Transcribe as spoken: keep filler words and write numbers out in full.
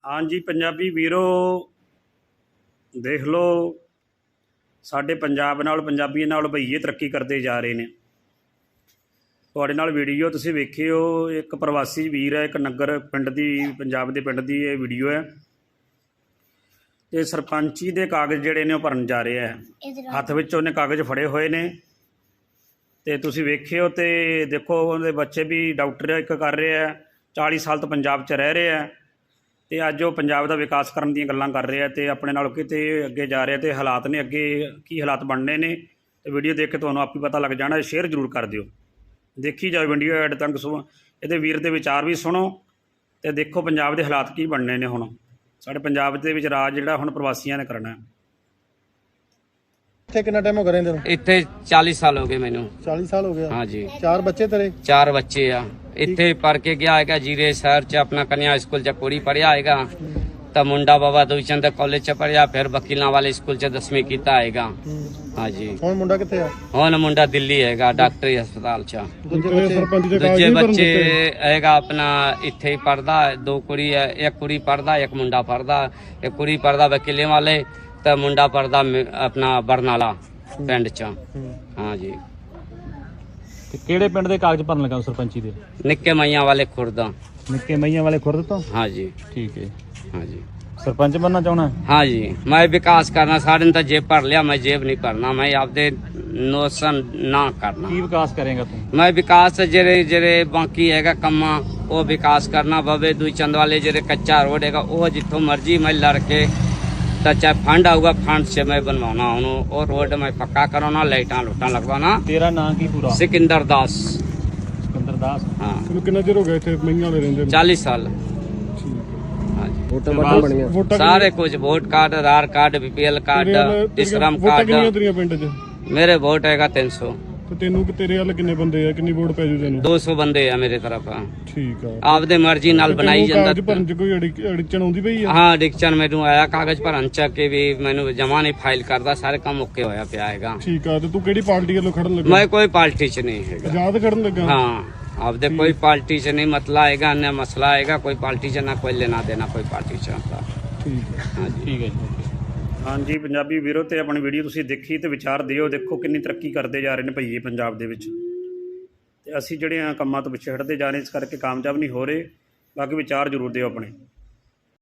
हाँ जी पंजाबी वीरो देख लो साडे पंजाब नाल पंजाबियों नाल भईए तरक्की करते जा रहे हैं। तुहाडे नाल वीडियो तुसीं वेखिओ एक प्रवासी वीर है, एक नगर पिंड दी पंजाब दे पिंड दी ये वीडियो है। तो सरपंची दे कागज़ जिहड़े ने भरन जा रहे हैं, हत्थ विच उहने कागज़ फड़े हुए ने ते तुसीं वेखिओ ते देखो उहदे बच्चे भी डॉक्टर एक कर रहे हैं, चाली साल तो पंजाब च रह रहे हैं तो अज वो पंजाब का विकास करने दी गल्लां कर रहे हैं तो अपने नाल किते अगे जा रहे हैं। तो हालात ने अगे की हालात बनने ने तो वीडियो देख के तुहानूं आप ही पता लग जाना। शेयर जरूर कर दिओ, देखी जाओ वीडियो एड तक सुनो, ये वीर के विचार भी सुनो तो देखो पंजाब के हालात की बनने ने। हुण साडे पंजाब दे विच राज जिहड़ा हुण प्रवासियां ने करना है। इत्थे कितना टाइम हो गया रहंदे नूं? इत्थे चालीस साल हो गए मैनू। चालीस साल हो गया? हाँ जी। चार बच्चे तेरे? चार बच्चे आ। इत्थे पढ़ के गया है जीरे शहर च अपना कन्या स्कूल च कुड़ी पढ़िया है, तो मुंडा बाबा दुईचंद कॉलेज च पढ़िया, फिर वकीलों वाले स्कूल च दसवीं किया है। हाँ जी। हुण मुंडा कित्थे आ? हुण मुंडा दिल्ली है डॉक्टरी अस्पताल च। दूजे दूजे बच्चे है अपना इत्थे ही पढ़दा, दो कुड़ी है, एक कुड़ी पढ़दा एक मुंडा पढ़दा। एक कुड़ी पढ़दा वकीले वाले तो मुंडा पढ़दा अपना बरनाला पिंड च। हाँ जी। किहड़े पिंड दे कागज भरन लगा सरपंची दे? निक्के मैया वाले खुर्द। निक्के मैया वाले खुर्द तो? हाँ जी। ठीक है। हाँ जी। सरपंच बनना चाहना? हाँ जी। मैं विकास करना, सारे तो जेब भर लिया, मैं जेब नहीं भरना, मैं आपदे नोशन ना करना। की विकास करेगा तू? मैं विकास जेरे जेरे बाकी है कम्मा वो विकास करना बवे। दुई चंद वाले जेरे कच्चा रोड है वो जितों मर्जी मैं लड़के तो चाहे फंड आऊगा फंड से मैं बनवाना उन्होंने, और रोड में पक्का कराना, लाइटा लुटा लगवाना। तेरा नाम की पूरा? सिकंदर दास। सिकंदर दास। हाँ। कितना चिर हो गया इत्थे मैया वाले रहंदे? चालीस साल। हाँ जी। सारे कुछ vote card, Aadhaar card, BPL card, श्रम कार्ड। मेरे वोट है तीन सौ। तो तेनू तेरे वाले किन्ने बंदे है, किन्नी वोट पै जू तेनू? दो सौ बंदे है मेरे तरफ। ठीक है। आपदे मर्जी नाल बनाई जांदा। कागज भरन च कोई अड़चन आउंदी पई है? हाँ अड़चन मैनू आया कागज भरन च के भी मैनू जमा नहीं फाइल करदा, सारे काम ओके होया पिया हैगा। ठीक है। तो तू केड़ी पार्टी वालों खड़न लगा? मैं कोई पार्टी च नहीं है। आजाद खड़न लगा? हाँ आपदे कोई पार्टी च नहीं मतला आएगा, न मसला आएगा कोई पार्टी च, ना कोई लेना देना कोई पार्टी च। ठीक है। हाँ जी। ठीक है जी। हाँ जी पंजाबी वीरो तो अपनी वीडियो तुसीं देखी तो विचार दिओ, देखो कितनी तरक्की करते जा रहे हैं भईए पंजाब दे विच। ते असीं जिहड़े कामां तो पिछे हटते जा रहे इस करके कामयाब नहीं हो रहे। बाकी विचार जरूर दिओ अपने।